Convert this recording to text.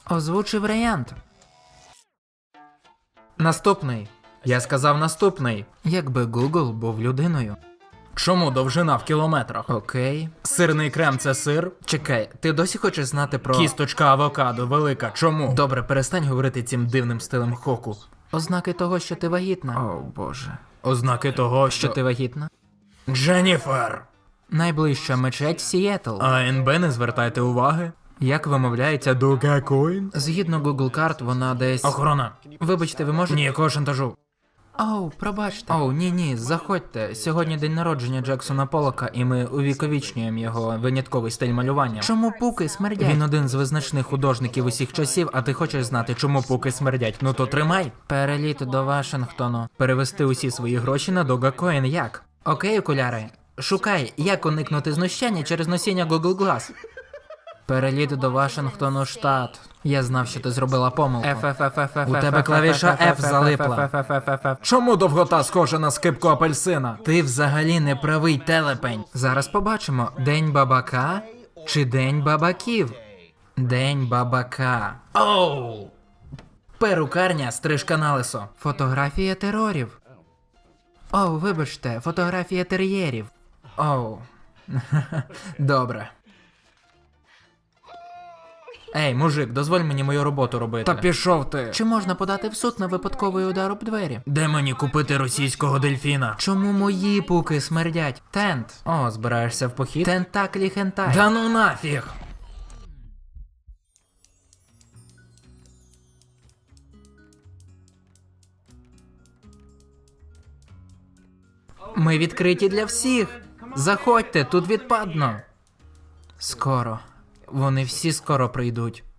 Озвучи варіант. Наступний. Я сказав наступний. Якби Google був людиною. Чому довжина в кілометрах? Окей. Сирний крем – це сир? Чекай, ти досі хочеш знати про... Кісточка авокадо велика. Чому? Добре, перестань говорити цим дивним стилем хоку. Ознаки того, що ти вагітна. О, Боже. Ознаки того, Що ти вагітна? Дженніфер! Найближча мечеть Сієтл. А НБ не звертайте уваги. Як вимовляється Dogecoin? Згідно Google карт, вона десь... Охорона. Вибачте, ви можете... Ніякого шантажу. Оу, пробачте. Оу, ні, заходьте. Сьогодні день народження Джексона Поллока, і ми увіковічнюємо його винятковий стиль малювання. Чому пуки смердять? Він один з визначних художників усіх часів, а ти хочеш знати, чому пуки смердять? Ну то тримай. Переліт до Вашингтону. Перевести усі свої гроші на Dogecoin як? Окей, окуляри. Шукай, як уникнути знущання через носіння Google Glass. Переліт до Вашингтону, штат. Я знав, що ти зробила помилку. У тебе клавіша F залипла. Чому довгота схожа на скипку апельсина? Ти взагалі не правий, телепень. Зараз побачимо, день бабака чи день бабаків? День бабака. Оу! Перукарня, стрижка на лисо. Фотографія терорів. Оу, вибачте, фотографія тер'єрів. Оу. Добре. Ей, мужик, дозволь мені мою роботу робити. Та пішов ти. Чи можна подати в суд на випадковий удар об двері? Де мені купити російського дельфіна? Чому мої пуки смердять? Тент. О, збираєшся в похід? Тентаклі хентай. Да ну нафіг! Ми відкриті для всіх. Заходьте, тут відпадно. Скоро. Вони всі скоро прийдуть.